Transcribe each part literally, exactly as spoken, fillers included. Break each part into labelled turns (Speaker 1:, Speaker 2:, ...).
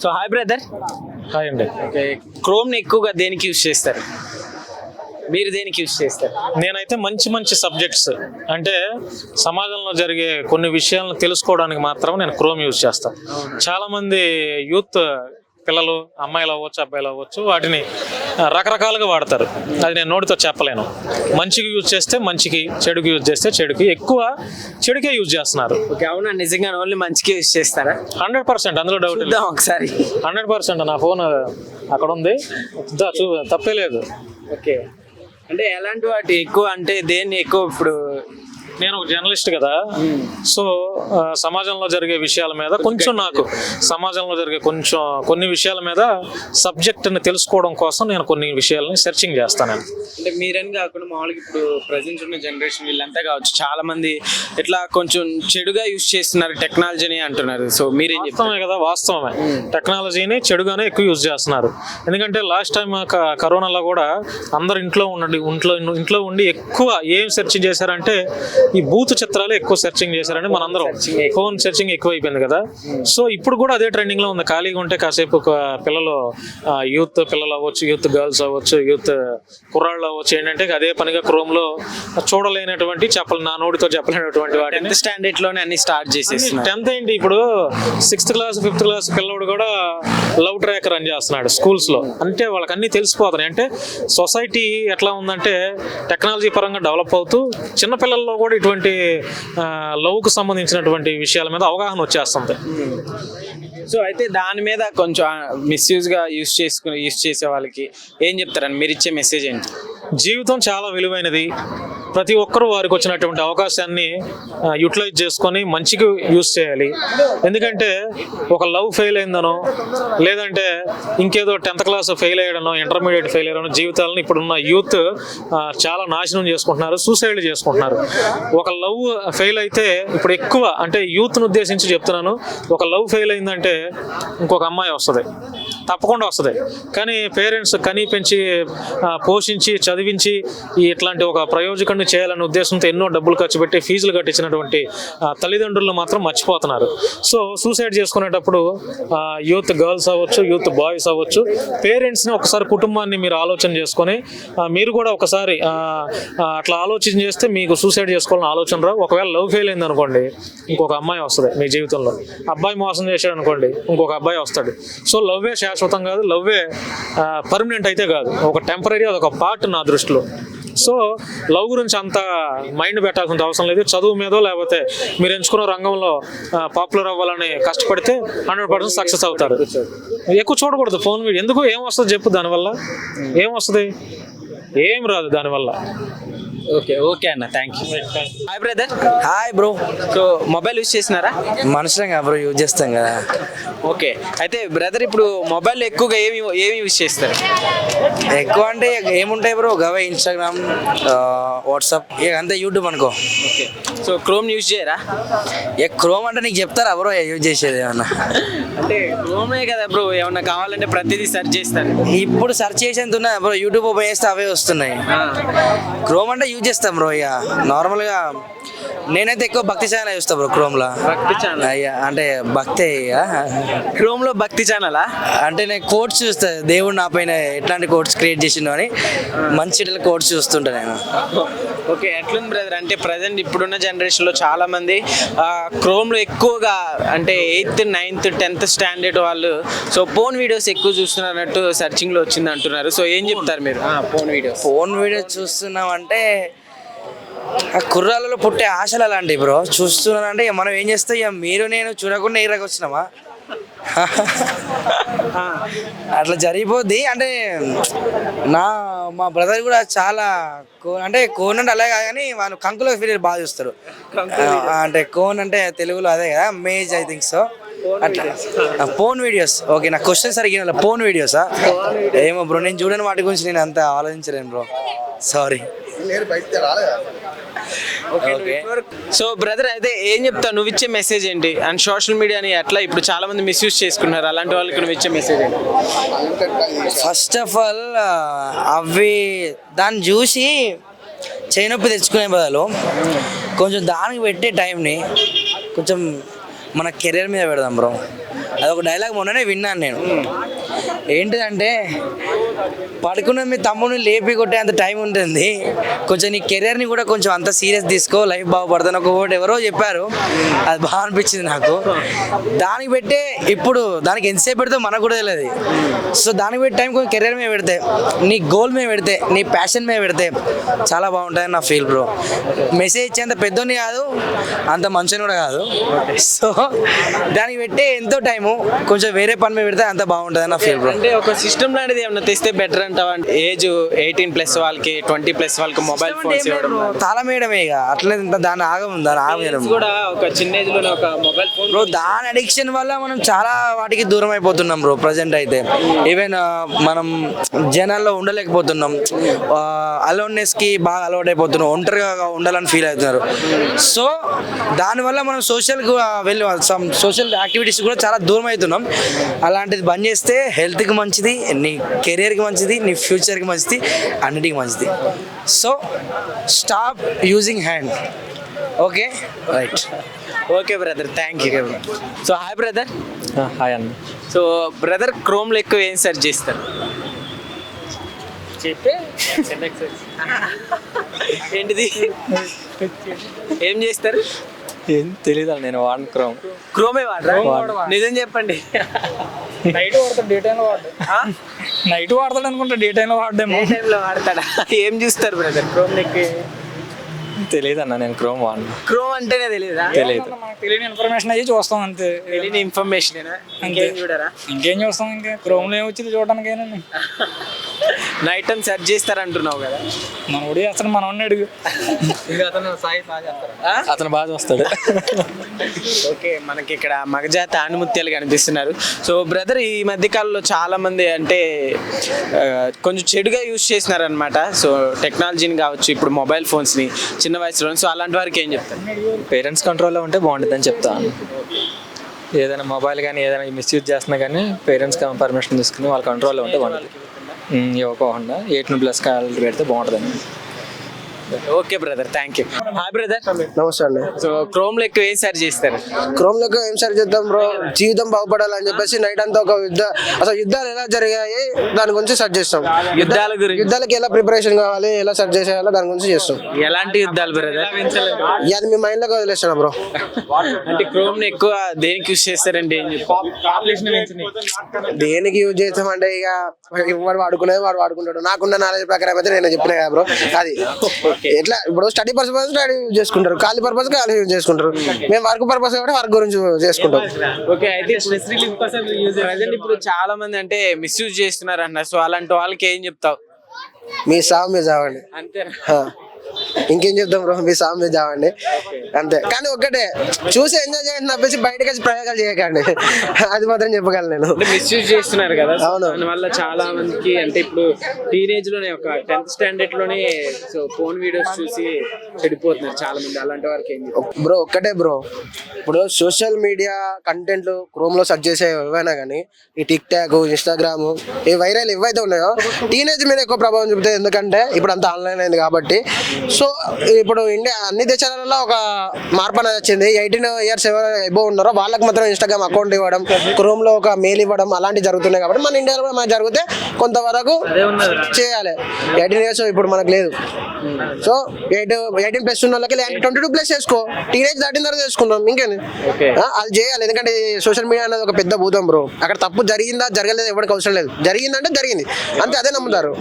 Speaker 1: So hi brother.
Speaker 2: Hi అండి.
Speaker 1: Okay, క్రోమ్ని ఎక్కువగా దేనికి యూజ్ చేస్తారు? మీరు దేనికి యూజ్ చేస్తారు?
Speaker 2: నేనైతే మంచి మంచి సబ్జెక్ట్స్ అంటే సమాజంలో జరిగే కొన్ని విషయాలను తెలుసుకోవడానికి మాత్రం నేను క్రోమ్ యూజ్ చేస్తాను. చాలా మంది యూత్ పిల్లలు, అమ్మాయిలు అవ్వచ్చు, అబ్బాయిలు అవ్వచ్చు, వాటిని రకరకాలుగా వాడతారు. అది నేను నోటితో చెప్పలేను. మంచికి యూజ్ చేస్తే మంచికి, చెడుకి యూజ్ చేస్తే చెడుకి. ఎక్కువ చెడుకే యూజ్ చేస్తున్నారు.
Speaker 1: ఓకే, అవునా? నిజంగా ఓన్లీ మంచికి యూజ్ చేస్తారా?
Speaker 2: హండ్రెడ్ పర్సెంట్ అందులో డౌట్ లేదు.
Speaker 1: ఒకసారి
Speaker 2: హండ్రెడ్ పర్సెంట్ నా ఫోన్ అక్కడ ఉంది, చూ తప్పే లేదు.
Speaker 1: ఓకే, అంటే ఎలాంటి వాటి ఎక్కువ, అంటే దేన్ని ఎక్కువ? ఇప్పుడు
Speaker 2: నేను ఒక జర్నలిస్ట్ కదా, సో సమాజంలో జరిగే విషయాల మీద కొంచెం నాకు సమాజంలో జరిగే కొంచెం కొన్ని విషయాల మీద సబ్జెక్ట్ని తెలుసుకోవడం కోసం నేను కొన్ని విషయాలని సెర్చింగ్ చేస్తాను.
Speaker 1: అంటే మీరని కాకుండా మామూలుగా ఇప్పుడు ప్రజెంట్ ఉన్న జనరేషన్ వీళ్ళంతా కావచ్చు, చాలా మంది ఇట్లా కొంచెం చెడుగా యూజ్ చేస్తున్నారు టెక్నాలజీని అంటున్నారు. సో మీరేం
Speaker 2: చెప్తామే కదా, వాస్తవమే. టెక్నాలజీని చెడుగానే ఎక్కువ యూజ్ చేస్తున్నారు. ఎందుకంటే లాస్ట్ టైం కరోనాలో కూడా అందరు ఇంట్లో ఉండండి ఇంట్లో ఇంట్లో ఉండి ఎక్కువ ఏం సెర్చ్ చేశారంటే ఈ బూత్ చిత్రాలు ఎక్కువ సెర్చింగ్ చేశారని మనందరం ఫోన్ సెర్చింగ్ ఎక్కువ అయిపోయింది కదా. సో ఇప్పుడు కూడా అదే ట్రెండింగ్ లో ఉంది. ఖాళీగా ఉంటే కాసేపు పిల్లలు, యూత్ పిల్లలు అవ్వచ్చు, యూత్ గర్ల్స్ అవ్వచ్చు, యూత్ కుర్రాళ్ళు అవ్వచ్చు, ఏంటంటే అదే పనిగా క్రోమ్ లో చూడలేనటువంటి చెప్పలు, నా నోటితో చెప్పలేనటువంటి వాటిని
Speaker 1: స్టాండర్డ్ లోనే అన్ని స్టార్ట్ చేసేసి.
Speaker 2: టెన్త్ ఏంటి, ఇప్పుడు సిక్స్త్ క్లాస్ ఫిఫ్త్ క్లాస్ పిల్లడు కూడా లవ్ ట్రాక్ రన్ చేస్తున్నాడు స్కూల్స్ లో. అంటే వాళ్ళకి అన్ని తెలిసిపోతున్నాయి. అంటే సొసైటీ ఎట్లా ఉందంటే టెక్నాలజీ పరంగా డెవలప్ అవుతూ చిన్నపిల్లల్లో కూడా ఇటువంటి లవ్కు సంబంధించినటువంటి విషయాల మీద అవగాహన వచ్చేస్తుంది.
Speaker 1: సో అయితే దాని మీద కొంచెం మిస్యూజ్ గా యూజ్ చేసుకుని యూజ్ చేసే వాళ్ళకి ఏం చెప్తారని మీరు ఇచ్చే మెసేజ్ ఏంటి?
Speaker 2: జీవితం చాలా విలువైనది. ప్రతి ఒక్కరూ వారికి వచ్చినటువంటి అవకాశాన్ని యూటిలైజ్ చేసుకొని మంచిగా యూజ్ చేయాలి. ఎందుకంటే ఒక లవ్ ఫెయిల్ అయిందనో, లేదంటే ఇంకేదో టెన్త్ క్లాస్ ఫెయిల్ అయ్యడనో, ఇంటర్మీడియట్ ఫెయిల్ అయ్యడనో జీవితాలను ఇప్పుడున్న యూత్ చాలా నాశనం చేసుకుంటున్నారు, సూసైడ్ చేసుకుంటున్నారు. ఒక లవ్ ఫెయిల్ అయితే ఇప్పుడు ఎక్కువ, అంటే యూత్ను ఉద్దేశించి చెప్తున్నాను, ఒక లవ్ ఫెయిల్ అయిందంటే ఇంకొక అమ్మాయి వస్తుంది, తప్పకుండా వస్తుంది. కానీ పేరెంట్స్ కనీ పెంచి పోషించి చదివించి ఇట్లాంటి ఒక ప్రయోజకుడిని చేయాలనే ఉద్దేశంతో ఎన్నో డబ్బులు ఖర్చు పెట్టి ఫీజులు కట్టించినటువంటి తల్లిదండ్రులు మాత్రం మర్చిపోతున్నారు. సో సూసైడ్ చేసుకునేటప్పుడు యూత్ గర్ల్స్ అవ్వచ్చు, యూత్ బాయ్స్ అవ్వచ్చు, పేరెంట్స్ని ఒకసారి కుటుంబాన్ని మీరు ఆలోచన చేసుకొని మీరు కూడా ఒకసారి అట్లా ఆలోచన చేస్తే మీకు సూసైడ్ చేసుకోవాలని ఆలోచన రావు. ఒకవేళ లవ్ ఫెయిల్ అయింది అనుకోండి, ఇంకొక అమ్మాయి వస్తుంది మీ జీవితంలో. అబ్బాయి మోసం చేశాడు అనుకోండి, ఇంకొక అబ్బాయి వస్తాడు. సో లవ్వే శాశ్వతం కాదు, లవ్వే పర్మనెంట్ అయితే కాదు, ఒక టెంపరీ, అదొక పార్ట్ నా దృష్టిలో. సో లవ్ గురించి అంత మైండ్ పెట్టాల్సిన అవసరం లేదు. చదువు మీదో లేకపోతే మీరు ఎంచుకున్న రంగంలో పాపులర్ అవ్వాలని కష్టపడితే హండ్రెడ్ పర్సెంట్ సక్సెస్ అవుతారు. ఎక్కువ చూడకూడదు ఫోన్ వీడియో. ఎందుకు, ఏం వస్తుంది చెప్పు దానివల్ల? ఏం వస్తుంది? ఏం రాదు దానివల్ల.
Speaker 1: ఓకే ఓకే అన్న, thank you. Hi brother.
Speaker 3: Hi bro.
Speaker 1: So mobile use చేసినారా?
Speaker 3: మనుషులంగా బ్రో యూజ్ చేస్తాం కదా.
Speaker 1: ఓకే, అయితే బ్రదర్ ఇప్పుడు మొబైల్ ఎక్కువగా ఏమి ఏమి యూజ్ చేస్తారు?
Speaker 3: ఎక్కువ అంటే ఏముంటాయి బ్రో, గవే ఇన్స్టాగ్రామ్, వాట్సాప్, ఇక అంతే, యూట్యూబ్ అనుకో.
Speaker 1: ఓకే, సో క్రోమ్ యూజ్ చేయరా?
Speaker 3: ఏ క్రోమ్ అంటే నీకు చెప్తారా బ్రో యూజ్ చేసేది ఏమన్నా?
Speaker 1: అంటే క్రోమే కదా బ్రో, ఏమన్నా కావాలంటే ప్రతిదీ సెర్చ్ చేస్తారు.
Speaker 3: ఇప్పుడు సెర్చ్ చేసేంత ఉన్నా బ్రో, యూట్యూబ్ ఓపెన్ చేస్తే అవే వస్తున్నాయి. క్రోమ్ అంటే యూజ్ చేస్తాం బ్రో. ఇక నార్మల్గా నేనైతే ఎక్కువ భక్తి ఛానల్ చూస్తా బ్రో క్రోమ్ లో.
Speaker 1: భక్తి ఛానల్?
Speaker 3: అయ్యా అంటే భక్తి.
Speaker 1: క్రోమ్ లో భక్తి ఛానలా?
Speaker 3: అంటే నేను కోడ్స్ చూస్తా, దేవుడు నా పైన ఎట్లాంటి కోడ్స్ క్రియేట్ చేసిండు అని మంచి కోడ్స్ చూస్తుంటా నేను.
Speaker 1: ఓకే, ఎట్లుంది బ్రదర్? అంటే ప్రజెంట్ ఇప్పుడున్న జనరేషన్లో చాలా మంది క్రోమ్లో ఎక్కువగా, అంటే ఎయిత్ నైన్త్ టెన్త్ స్టాండర్డ్ వాళ్ళు సో ఫోన్ వీడియోస్ ఎక్కువ చూస్తున్నట్టు సెర్చింగ్లో వచ్చింది అంటున్నారు. సో ఏం చెప్తారు మీరు? ఫోన్ వీడియోస్
Speaker 3: ఫోన్ వీడియోస్ చూస్తున్నాం అంటే ఆ కుర్రాలలో పుట్టే ఆశలు అలాంటివి బ్రో. చూస్తున్నానంటే మనం ఏం చేస్తాం, ఇక మీరు నేను చూడకుండా ఇరగ వచ్చినామా, అట్లా జరిగిపోద్ది. అంటే నా మా బ్రదర్ కూడా చాలా కోన్, అంటే కోన్ అంటే అలాగే కాదు కానీ వాళ్ళు కంకులో ఫీరియర్ బాగా చూస్తారు. అంటే కోన్ అంటే తెలుగులో అదే కదా, మేజ్ ఐ థింక్ సో. అట్లా ఫోన్ వీడియోస్. ఓకే, నా క్వశ్చన్ సరిగ్గా ఫోన్ వీడియోసా ఏమో బ్రో, నేను చూడని వాటి గురించి నేను అంత ఆలోచించలేను బ్రో, సారీ.
Speaker 1: సో బ్రదర్, అయితే ఏం చెప్తావు, నువ్వు ఇచ్చే మెసేజ్ ఏంటి? అండ్ సోషల్ మీడియాని ఎట్లా ఇప్పుడు చాలా మంది మిస్యూజ్ చేసుకున్నారు, అలాంటి వాళ్ళకి నువ్వు ఇచ్చే మెసేజ్ ఏంటి?
Speaker 3: ఫస్ట్ ఆఫ్ ఆల్ అవి దాన్ని చూసి చేయనొప్పి తెచ్చుకునే బదులు కొంచెం దానికి పెట్టే టైంని కొంచెం మన కెరీర్ మీద పెడదాం బ్రో. అదొక డైలాగ్ మొన్ననే విన్నాను నేను. ఏంటిదంటే పడుకున్న మీ తమ్ముడిని లేపి కొట్టే అంత టైం ఉంటుంది, కొంచెం నీ కెరీర్ని కూడా కొంచెం అంత సీరియస్ తీసుకో, లైఫ్ బాగుపడుతుంది ఒక ఒకటి ఎవరో చెప్పారు, అది బాగా అనిపించింది నాకు. దానికి పెట్టే ఇప్పుడు దానికి ఎంతసేపు పెడితే మనకు కూడా తెలియదు. సో దానికి పెట్టి టైం కొంచెం కెరీర్ మీద పెడితే, నీ గోల్ మీద పెడితే, నీ ప్యాషన్ మీద పెడితే చాలా బాగుంటుందని నా ఫీల్ బ్రో. మెసేజ్ ఇచ్చేంత పెద్దోని కాదు, అంత మంచిని కూడా కాదు. సో దానికి పెట్టే ఎంతో టైము కొంచెం వేరే పని మీద పెడితే అంత బాగుంటుందని నా ఫీల్ బ్రో.
Speaker 1: అంటే ఒక సిస్టమ్ లాంటిది ఏమన్నా తెస్తే బెటర్ అంటావా? ఏజ్ ఎయిటీన్ ప్లస్ వాళ్ళకి, ట్వంటీ ప్లస్ వాళ్ళకి మొబైల్ ఫోన్స్ ఇవ్వడం
Speaker 3: తాళం వేయడమే ఇక, అట్లే దాని ఆగం దాని ఆగం
Speaker 1: కూడా ఒక చిన్న ఏజ్ లోనే ఒక మొబైల్ ఫోన్
Speaker 3: బ్రో. దాని అడిక్షన్ వల్ల మనం చాలా వాటికి దూరం అయిపోతున్నాం బ్రో ప్రజెంట్ అయితే. ఈవెన్ మనం జనాల్లో ఉండలేకపోతున్నాం, అలోన్నెస్ కి బాగా అలవాటు అయిపోతున్నాం, ఒంటరిగా ఉండాలని ఫీల్ అవుతున్నారు. సో దానివల్ల మనం సోషల్ వెళ్ళి సోషల్ యాక్టివిటీస్ కూడా చాలా దూరం అవుతున్నాం. అలాంటిది బంద్ చేస్తే హెల్త్కి మంచిది, నీ కెరియర్కి మంచిది, నీ ఫ్యూచర్కి మంచిది, అన్నిటికీ మంచిది. So stop using hand. Okay right.
Speaker 1: Okay brother, thank you. So hi brother.
Speaker 2: Hi అన్న.
Speaker 1: సో బ్రదర్ క్రోమ్లో ఎక్కువ ఏం సెర్చ్ చేస్తారు? చెప్పే ఏంటిది ఏం చేస్తారు?
Speaker 4: ఏం తెలీదు, నేను వాడను క్రోమ్.
Speaker 1: క్రోమే వాడరా? నిజం చెప్పండి.
Speaker 4: నైట్ వాడతాడు, డే టైంలో వాడు. నైట్ వాడతాడు అనుకుంటా, డే టైంలో వాడేమో.
Speaker 1: ఏ టైంలో వాడతాడా? ఏం చూస్తారు బ్రదర్ క్రోమ్ ఎక్కువ?
Speaker 4: తెలియదు అన్న, నేను క్రోమ్ వాడను.
Speaker 1: క్రోమ్ అంటేనే తెలియదా?
Speaker 4: తెలియదు, మనకు తెలియని ఇన్ఫర్మేషన్ అయ్యి చూస్తాం అంతే.
Speaker 1: తెలియని ఇన్ఫర్మేషన్ ఇంకేం చూడరా?
Speaker 4: ఇంకేం చూస్తాం, ఇంకా క్రోమ్లో ఏం వచ్చింది చూడడానికైనా.
Speaker 1: నైట్ టైం సెర్చ్ చేస్తారంటున్నావు కదా,
Speaker 4: మన ఉడి అసలు మనం అడుగు. అతను బాగా చూస్తాడు.
Speaker 1: ఓకే, మనకి ఇక్కడ మగజాతి ఆణిముత్యాలు కనిపిస్తున్నారు. సో బ్రదర్ ఈ మధ్య కాలంలో చాలా మంది అంటే ఆ, కొంచెం చెడుగా యూజ్ చేసినారు అనమాట. సో టెక్నాలజీని కావచ్చు, ఇప్పుడు మొబైల్ ఫోన్స్ని చిన్న వయసులో. సో అలాంటి వారికి ఏం చెప్తారు?
Speaker 4: పేరెంట్స్ కంట్రోల్లో ఉంటే బాగుంటుందని చెప్తాను. ఏదైనా మొబైల్ కానీ ఏదైనా మిస్యూజ్ చేస్తున్నా కానీ పేరెంట్స్ పర్మిషన్ తీసుకుని వాళ్ళ కంట్రోల్లో ఉంటే బాగుంటుంది. ఇవ్వకుండా ఎయిటీన్ ప్లస్ కాల్ పెడితే బాగుంటుందండి.
Speaker 1: Okay brother, thank you. Hi brother.
Speaker 5: నమస్తే అండి.
Speaker 1: సో క్రోమ్ లో ఎక్కువ ఏం సెర్చ్ చేస్తారు?
Speaker 5: క్రోమ్ లో ఏం సరి చేద్దాం బ్రో, జీవితం బాగుపడాలని చెప్పేసి నైట్ అంతా ఒక యుద్ధ అసలు యుద్ధాలు ఎలా జరిగాయి దాని గురించి సెర్చ్ చేస్తాం.
Speaker 1: యుద్ధాల గురించి,
Speaker 5: యుద్ధాలకి ఎలా ప్రిపరేషన్ కావాలి, ఎలా సెర్చ్ చేసేయాలో దాని గురించి చేస్తాం.
Speaker 1: ఎలాంటి యుద్ధాలు బ్రదర్?
Speaker 5: అది మీ మైండ్ లోకి వదిలేస్తున్నా బ్రో.
Speaker 1: అంటే క్రోమ్ ని ఎక్కువ దేనికి యూజ్ చేస్తారండి? ఏం చెప్తారు?
Speaker 5: దేనికి యూజ్ చేస్తామంటే ఇక వాడు వాడుకునేది వాడు వాడుకుంటాడు. నాకున్న నాలెడ్జ్ ప్రకారం అయితే నేను చెప్పిన కదా బ్రో. అది ఎట్లా ఇప్పుడు స్టడీ పర్పస్ స్టడీ యూజ్ చేసుకుంటారు, ఖాళీ పర్పస్ ఖాళీ యూజ్ చేసుకుంటారు. మేము వర్క్ పర్పస్ కాబట్టి వర్క్ గురించి చేసుకుంటాం.
Speaker 1: ఓకే, అయితే ప్రజెంట్ ఇప్పుడు చాలా మంది అంటే మిస్యూజ్ చేస్తున్నారు అన్న. సో అలాంటి వాళ్ళకి ఏం చెప్తావు?
Speaker 5: మీ సాగు మీద చావండి
Speaker 1: అంతేనా?
Speaker 5: ఆ. ఇంకేం చెప్తాం బ్రో, మీ సాగు మీద చావండి అంతే. కానీ ఒక్కటే, చూసి ఎంజాయ్ చేయండి తప్పేసి బయటకు వచ్చి ప్రయోగాలు చేయకండి, అది మాత్రం చెప్పగలను నేను.
Speaker 1: మిస్యూజ్ చేస్తున్నారు కదా,
Speaker 5: అవును.
Speaker 1: దానివల్ల చాలా మందికి అంటే ఇప్పుడు టీనేజ్ లోనే ఒక టెన్త్ స్టాండర్డ్ లోనే సో ఫోన్ వీడియోస్ చూసి చెడిపోతున్నారు చాలా మంది. అలాంటి వారికి ఏం చెప్తావు?
Speaker 5: బ్రో ఒక్కటే బ్రో, ఇప్పుడు సోషల్ మీడియా కంటెంట్లు క్రోమ్ లో సెర్చ్ చేసే ఏవైనా కానీ ఈ టిక్ టాక్, ఇన్స్టాగ్రామ్, ఈ వైరల్ ఏవైతే ఉన్నాయో టీనేజ్ మీద ఎక్కువ ప్రభావం చూపుతాయి. ఎందుకంటే ఇప్పుడు అంతా ఆన్లైన్ అయింది కాబట్టి. సో ఇప్పుడు ఇండియా అన్ని దేశాలలో ఒక మార్పు అనేది వచ్చింది. ఎయిటీన్ ఇయర్స్ ఎవరు ఎబో ఉన్నారో వాళ్ళకి మాత్రం ఇన్స్టాగ్రామ్ అకౌంట్ ఇవ్వడం, క్రోమ్ లో ఒక మెయిల్ ఇవ్వడం అలాంటివి జరుగుతున్నాయి. కాబట్టి మన ఇండియాలో కూడా మనకు జరిగితే కొంతవరకు చేయాలి. ఎయిటీన్ ఇయర్స్ ఇప్పుడు మనకు లేదు. సో ఎయిట్ ఎయిటీన్ ప్లస్ ఉన్న వాళ్ళకి ట్వంటీ టూ ప్లస్ చేసుకో, టీనేజ్ దాటిన తర్వాత చేసుకుందాం. ఇంకేంది అది చేయాలి. ఎందుకంటే సోషల్ మీడియా అనేది ఒక పెద్ద భూతం బ్రో. అక్కడ తప్పు జరిగిందా జరగలేదు ఎవరికి అవసరం లేదు, జరిగిందంటే జరిగింది అంతే, అదే నమ్ముతారు.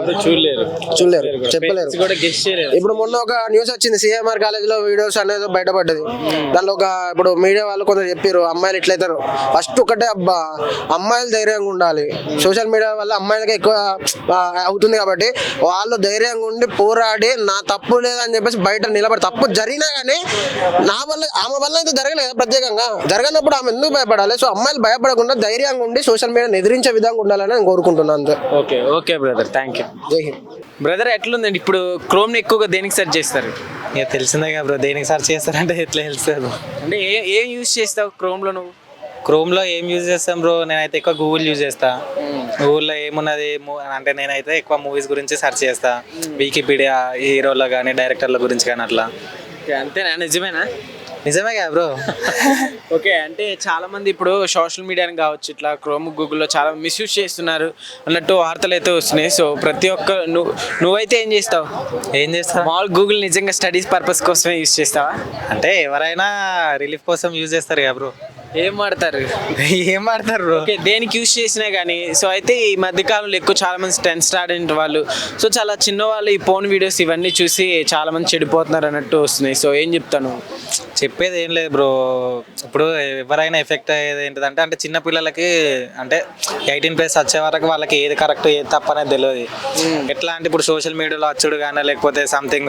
Speaker 5: చూడలేరు, చెప్పలేరు. ఇప్పుడు మొన్న ఒక న్యూస్ వచ్చింది, సిఎంఆర్ కాలేజ్ లో వీడియోస్ అనేది బయటపడ్డది. దానిలో ఒక ఇప్పుడు మీడియా వాళ్ళు కొందరు చెప్పారు అమ్మాయిలు ఇట్లయితారు. ఫస్ట్ ఒకటే అబ్బా, అమ్మాయిలు ధైర్యంగా ఉండాలి. సోషల్ మీడియా వల్ల అమ్మాయిలకి ఎక్కువ అవుతుంది కాబట్టి వాళ్ళు ధైర్యంగా ఉండి పోరాడి నా తప్పు లేదని చెప్పేసి బయట నిలబడి, తప్పు జరిగినా కానీ నా వల్ల ఆమె వల్ల అయితే జరగలేదు ప్రత్యేకంగా, జరగనప్పుడు ఆమె ఎందుకు భయపడాలి? సో అమ్మాయిలు భయపడకుండా ధైర్యంగా ఉండి సోషల్ మీడియాని ఎదిరించే విధంగా ఉండాలని నేను కోరుకుంటున్నాను అంతే.
Speaker 1: Okay okay brother, thank you.
Speaker 5: జై హింద్.
Speaker 1: బ్రదర్ ఎట్లుందండి ఇప్పుడు క్రోమ్ ని ఎక్కువగా దేనికి సెర్చ్ చేస్తారు?
Speaker 4: ఇక తెలిసిందే కదా బ్రో, దేనికి సెర్చ్ చేస్తారంటే ఎట్లా తెలుస్తుంది.
Speaker 1: అంటే ఏ ఏం యూజ్ చేస్తావు క్రోమ్ లో నువ్వు?
Speaker 4: క్రోమ్లో ఏం యూజ్ చేస్తాం బ్రో, నేనైతే ఎక్కువ గూగుల్ యూజ్ చేస్తా. గూగుల్లో ఏమున్నది అంటే నేనైతే ఎక్కువ మూవీస్ గురించి సెర్చ్ చేస్తా, వికీపీడియా హీరోల కానీ డైరెక్టర్ల గురించి కానీ అట్లా.
Speaker 1: అంతేనా? నిజమేనా?
Speaker 4: నిజమే కదా బ్రో.
Speaker 1: ఓకే, అంటే చాలా మంది ఇప్పుడు సోషల్ మీడియాని కావచ్చు ఇట్లా క్రోమ్ గూగుల్లో చాలా మిస్యూజ్ చేస్తున్నారు అన్నట్టు వార్తలు అయితే వస్తున్నాయి. సో ప్రతి ఒక్క నువ్వు నువ్వైతే ఏం చేస్తావు?
Speaker 4: ఏం చేస్తా
Speaker 1: మామూలు గూగుల్ నిజంగా స్టడీస్ పర్పస్ కోసమే యూస్ చేస్తావా?
Speaker 4: అంటే ఎవరైనా రిలీఫ్ కోసం యూజ్ చేస్తారు కదా బ్రో.
Speaker 1: ఏం వాడతారు?
Speaker 4: ఏం ఆడతారు బ్రో?
Speaker 1: ఓకే, దేనికి యూస్ చేసినా కానీ. సో అయితే ఈ మధ్యకాలంలో ఎక్కువ చాలా మంది టెన్త్ స్టాండర్డ్ వాళ్ళు, సో చాలా చిన్న వాళ్ళు ఈ ఫోన్ వీడియోస్ ఇవన్నీ చూసి చాలా మంది చెడిపోతున్నారు అన్నట్టు వస్తున్నాయి. సో ఏం చెప్తాను?
Speaker 4: చెప్పేది ఏం లేదు బ్రో. ఇప్పుడు ఎవరైనా ఎఫెక్ట్ అయ్యేది ఏంటిదంటే అంటే చిన్న పిల్లలకి అంటే ఎయిటీన్ ప్లస్ వచ్చే వరకు వాళ్ళకి ఏది కరెక్ట్ ఏది తప్ప అనేది తెలియదు. ఎట్లా అంటే ఇప్పుడు సోషల్ మీడియాలో వచ్చుడు కానీ లేకపోతే సంథింగ్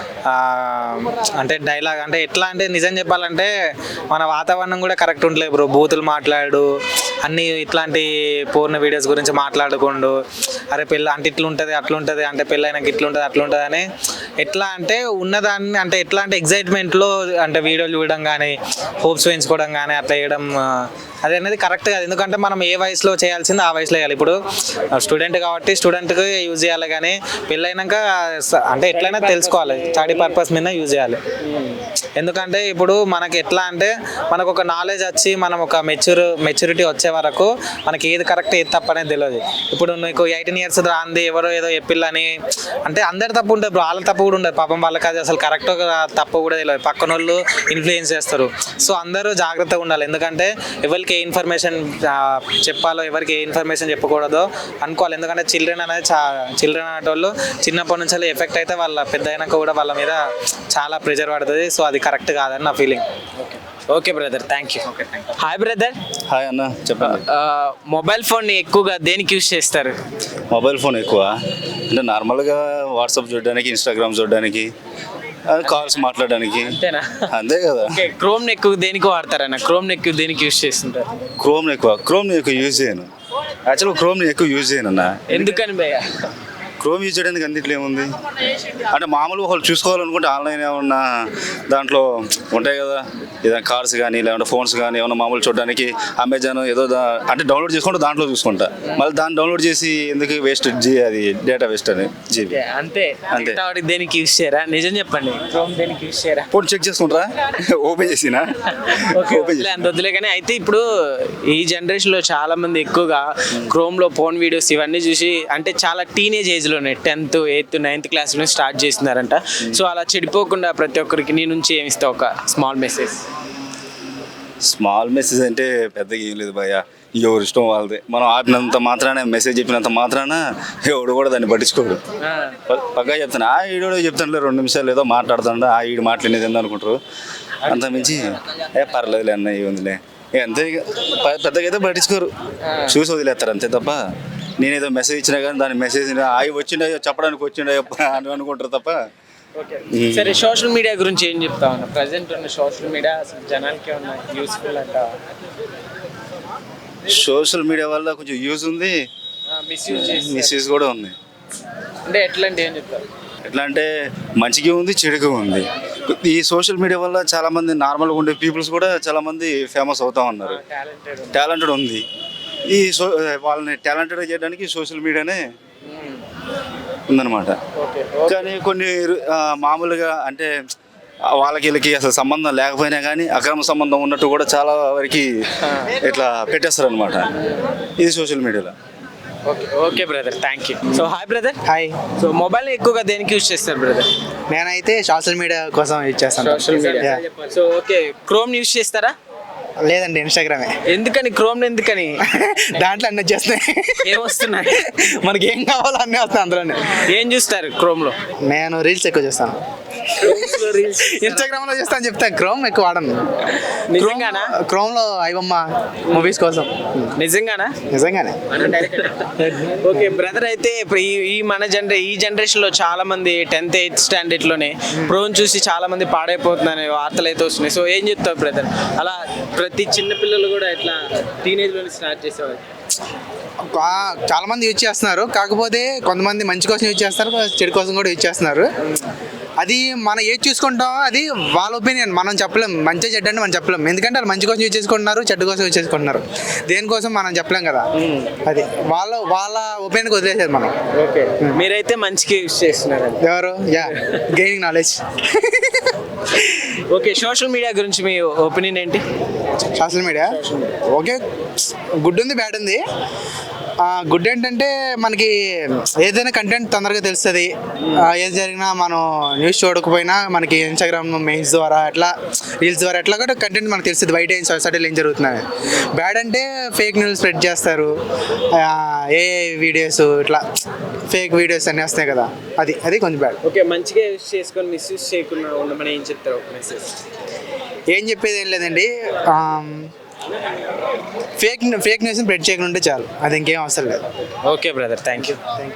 Speaker 4: అంటే డైలాగ్ అంటే ఎట్లా అంటే నిజం చెప్పాలంటే మన వాతావరణం కూడా కరెక్ట్ ఉండలేదు బ్రో. బూతులు మాట్లాడు అన్ని ఇట్లాంటి పూర్ణ వీడియోస్ గురించి మాట్లాడుకుండు. అరే పిల్ల అంటే ఇట్లా ఉంటుంది అట్లా ఉంటుంది అంటే పెళ్ళైనాక ఇట్లా ఉంటుంది అట్లా ఉంటుంది అని ఎట్లా అంటే ఉన్నదాన్ని అంటే ఎట్లా అంటే ఎగ్జైట్మెంట్లో అంటే వీడియోలు చూడడం కానీ హోప్స్ పెంచుకోవడం కానీ అట్లా చేయడం అది అనేది కరెక్ట్ కాదు. ఎందుకంటే మనం ఏ వయసులో చేయాల్సింది ఆ వయసులో చేయాలి. ఇప్పుడు స్టూడెంట్ కాబట్టి స్టూడెంట్కి యూజ్ చేయాలి కానీ పెళ్ళైనాక అంటే ఎట్లయినా తెలుసుకోవాలి, స్టడీ పర్పస్ మీద యూజ్ చేయాలి. ఎందుకంటే ఇప్పుడు మనకి ఎట్లా అంటే మనకు ఒక నాలెడ్జ్ వచ్చి మనం ఒక మెచ్యూర్ మెచ్యూరిటీ వచ్చే వరకు మనకి ఏది కరెక్ట్ ఏది తప్పు అనేది తెలియదు. ఇప్పుడు నీకు ఎయిటీన్ ఇయర్స్ రాంది ఎవరో ఏదో చెప్పిల్లని అంటే అందరి తప్పు ఉంటుంది, వాళ్ళ తప్పు కూడా ఉండదు. పాపం వాళ్ళకి అది అసలు కరెక్ట్ తప్పు కూడా తెలియదు, పక్కన వాళ్ళు ఇన్ఫ్లుయెన్స్ చేస్తారు. సో అందరూ జాగ్రత్తగా ఉండాలి. ఎందుకంటే ఎవరికి ఏ ఇన్ఫర్మేషన్ చెప్పాలో ఎవరికి ఏ ఇన్ఫర్మేషన్ చెప్పకూడదో అనుకోవాలి. ఎందుకంటే చిల్డ్రన్ అనేది చా చిల్డ్రన్ అనేటోళ్ళు చిన్నప్పటి నుంచి ఎఫెక్ట్ అయితే వాళ్ళ పెద్ద అయినాక కూడా వాళ్ళ మీద చాలా ప్రెజర్ పడుతుంది. సో అది కరెక్ట్ కాదని నా feeling.
Speaker 1: Okay brother, thank you. Okay, thank you. Hi brother.
Speaker 6: Hi అన్న, చెప్పండి.
Speaker 1: మొబైల్ ఫోన్ని ఎక్కువగా దేనికి యూస్ చేస్తారు?
Speaker 6: మొబైల్ ఫోన్ ఎక్కువ అంటే నార్మల్గా వాట్సాప్ చూడడానికి, ఇన్స్టాగ్రామ్ చూడడానికి, కాల్స్ మాట్లాడడానికి.
Speaker 1: అంతేనా?
Speaker 6: అంతే కదా.
Speaker 1: ఓకే, క్రోమ్ ఎక్కువ దేనికి వాడతారన్న? క్రోమ్ ఎక్కువ దేనికి యూస్ చేస్తుంటారు?
Speaker 6: క్రోమ్ ఎక్కువ క్రోమ్ ఎక్కువ యూజ్ చేయను. యాక్చువల్గా క్రోమ్ ఎక్కువ యూజ్ చేయను అన్న.
Speaker 1: ఎందుకని భయ్య?
Speaker 6: క్రోమ్ యూజ్ చేయడానికి అన్నిట్లో ఏముంది అంటే మామూలుగా వాళ్ళు చూసుకోవాలనుకుంటే ఆన్లైన్ ఏమన్నా దాంట్లో ఉంటాయి కదా, ఏదైనా కార్స్ కానీ లేదంటే ఫోన్స్ కానీ ఏమన్నా మామూలు చూడడానికి అమెజాన్ ఏదో అంటే డౌన్లోడ్ చేసుకుంటే దాంట్లో చూసుకుంటా. మళ్ళీ దాన్ని డౌన్లోడ్ చేసి ఎందుకు వేస్ట్ జీ అది డేటా వేస్ట్ అని జీబీ.
Speaker 1: అంతే అంతే. దేనికి యూస్ చేయరా? నిజం చెప్పండి, క్రోమ్ దేనికి యూస్ చేయరా?
Speaker 6: ఫోన్ చెక్ చేసుకుంటారా? ఓపెన్ చేసినా ఓపెన్
Speaker 1: అంత వద్దులే. కానీ అయితే ఇప్పుడు ఈ జనరేషన్లో చాలా మంది ఎక్కువగా క్రోమ్లో ఫోన్ వీడియోస్ ఇవన్నీ చూసి అంటే చాలా టీనేజ్ ఏజ్ లోనే టెన్త్ ఎయిత్ నైన్త్ క్లాస్ లో స్టార్ట్ చేస్తున్నారంట. సో అలా చెడిపోకుండా ప్రతి ఒక్కరికి నీ నుంచి ఏమి ఇస్తావు ఒక స్మాల్ మెసేజ్?
Speaker 6: స్మాల్ మెసేజ్ అంటే పెద్దగా ఏం లేదు భయ్య, ఎవరు ఇష్టం వాళ్ళది. మనం ఆపినంత మాత్రాన మెసేజ్ చెప్పినంత మాత్రాన ఎవడు కూడా దాన్ని పట్టించుకోడు. పక్కా చెప్తాను, ఆ ఈడో చెప్తానులే రెండు నిమిషాలు ఏదో మాట్లాడుతాడు, ఆ ఈడు మాట్లాడేది ఏంది అనుకుంటారు. అంత మించి ఏ పర్లేదులే అన్న ఏముందిలే అంతే. ఇక పెద్దగా అయితే పట్టించుకోరు, చూసి వదిలేస్తారు అంతే తప్ప నేనేదో మెసేజ్ ఇచ్చినా కానీ దాని మెసేజ్ అవి వచ్చిండే చెప్పడానికి వచ్చిండే అని అనుకుంటారు తప్ప.
Speaker 1: సరే, సోషల్ మీడియా గురించి ఏం చెప్తావు అన్న? ప్రజెంట్ ఉన్న సోషల్ మీడియా అసలు జనానికి ఏమన్నా యూస్ఫుల్ అంటావా?
Speaker 6: సోషల్ మీడియా వల్ల కొంచెం యూజ్ ఉంది,
Speaker 1: మిస్యూజ్
Speaker 6: మిస్యూజ్ కూడా ఉంది.
Speaker 1: అంటే ఎట్లాంటి ఏం చెప్తావు?
Speaker 6: ఎట్లా అంటే మంచిగా ఉంది, చెడుగా ఉంది. ఈ సోషల్ మీడియా వల్ల చాలా మంది నార్మల్గా ఉండే పీపుల్స్ కూడా చాలా మంది ఫేమస్ అవుతా ఉన్నారు, టాలెంటెడ్ ఉంది. ఈ సో వాళ్ళని టాలెంటెడ్ చేయడానికి సోషల్ మీడియానే ఉందన్నమాట. కానీ కొన్ని మామూలుగా అంటే వాళ్ళకి వీళ్ళకి అసలు సంబంధం లేకపోయినా కానీ అక్రమ సంబంధం ఉన్నట్టు కూడా చాలా వరకు ఇట్లా పెట్టేస్తారు అనమాట ఇది సోషల్ మీడియాలో.
Speaker 1: Okay okay brother, thank you. So hi brother.
Speaker 7: Hi.
Speaker 1: So mobile ఎక్కువగా దేనికి యూజ్ చేస్తారు బ్రదర్?
Speaker 7: నేనైతే సోషల్ మీడియా కోసం యూజ్ చేస్తాను.
Speaker 1: Social media. So okay, Chrome use చేస్తారా?
Speaker 7: లేదండి, ఇన్స్టాగ్రామే.
Speaker 1: ఎందుకని? క్రోమ్ ఎందుకని?
Speaker 7: దాంట్లో అన్నీ వచ్చేస్తున్నాయి.
Speaker 1: ఏమొస్తున్నాయి?
Speaker 7: మనకి ఏం కావాలో అన్నీ వస్తాయి అందులోనే.
Speaker 1: ఏం చూస్తారు క్రోమ్ లో?
Speaker 7: నేను రీల్స్ ఎక్కువ చేస్తాను. ఇన్స్టాగ్రామ్ లో చేస్తాను చెప్తాను, క్రోమ్ ఎక్కువ వాడను.
Speaker 1: నిజంగానా?
Speaker 7: క్రోమ్ లో ఐబొమ్మ మూవీస్ కోసం.
Speaker 1: నిజంగానా?
Speaker 7: నిజంగానే.
Speaker 1: ఓకే బ్రదర్, అయితే ఇప్పుడు ఈ ఈ మన జనరే ఈ జనరేషన్ లో చాలా మంది టెన్త్ ఎయిత్ స్టాండర్డ్ లోనే ప్రోన్ చూసి చాలా మంది పాడైపోతుందని వార్తలు అయితే వస్తున్నాయి. సో ఏం చెప్తావు బ్రదర్? అలా ప్రతి చిన్న పిల్లలు కూడా ఇట్లా టీనేజ్ లోనే స్టార్ట్ చేసేవాళ్ళు.
Speaker 7: చాలా మంది యూజ్ చేస్తున్నారు, కాకపోతే కొంతమంది మంచి కోసం యూజ్ చేస్తారు, చెడు కోసం కూడా యూజ్ చేస్తున్నారు. అది మనం ఏది చూసుకుంటామో అది వాళ్ళ ఒపీనియన్, మనం చెప్పలేం. మంచి చెడ్డ అంటే మనం చెప్పలేం, ఎందుకంటే వాళ్ళు మంచి కోసం యూజ్ చేసుకుంటున్నారు, చెడ్డ కోసం యూజ్ చేసుకుంటున్నారు. దేనికోసం మనం చెప్పలేం కదా, అది వాళ్ళ వాళ్ళ ఒపీనియన్కి వదిలేసేది మనం.
Speaker 1: ఓకే, మీరైతే మంచిగా యూజ్ చేస్తున్నారు.
Speaker 7: ఎవరు? Yeah, gaining knowledge.
Speaker 1: Okay, social media గురించి మీ ఒపీనియన్ ఏంటి?
Speaker 7: సోషల్ మీడియా ఓకే, గుడ్ ఉంది బ్యాడ్ ఉంది. గుడ్ ఏంటంటే మనకి ఏదైనా కంటెంట్ తొందరగా తెలుస్తుంది. ఏది జరిగినా మనం న్యూస్ చూడకపోయినా మనకి ఇన్స్టాగ్రామ్ మెయిల్స్ ద్వారా అట్లా రీల్స్ ద్వారా ఎట్లా కూడా కంటెంట్ మనకు తెలుస్తుంది బయట ఏం సొసైటీలో ఏం జరుగుతున్నాయి. బ్యాడ్ అంటే ఫేక్ న్యూస్ స్ప్రెడ్ చేస్తారు, ఏ వీడియోస్ ఇట్లా ఫేక్ వీడియోస్ అన్నీ వస్తాయి కదా, అది అది కొంచెం బ్యాడ్.
Speaker 1: ఓకే, మంచిగా యూస్ చేసుకొని మిస్యూజ్ చేయకుండా ఉండమని ఏం చెప్తారు ఒక మెసేజ్?
Speaker 7: ఏం చెప్పేది ఏం లేదండి, ఫేక్ ఫేక్ న్యూస్ని స్ప్రెడ్ చేయకుండా ఉంటే చాలు, అది ఇంకేం అవసరం లేదు.
Speaker 1: Okay brother, thank you.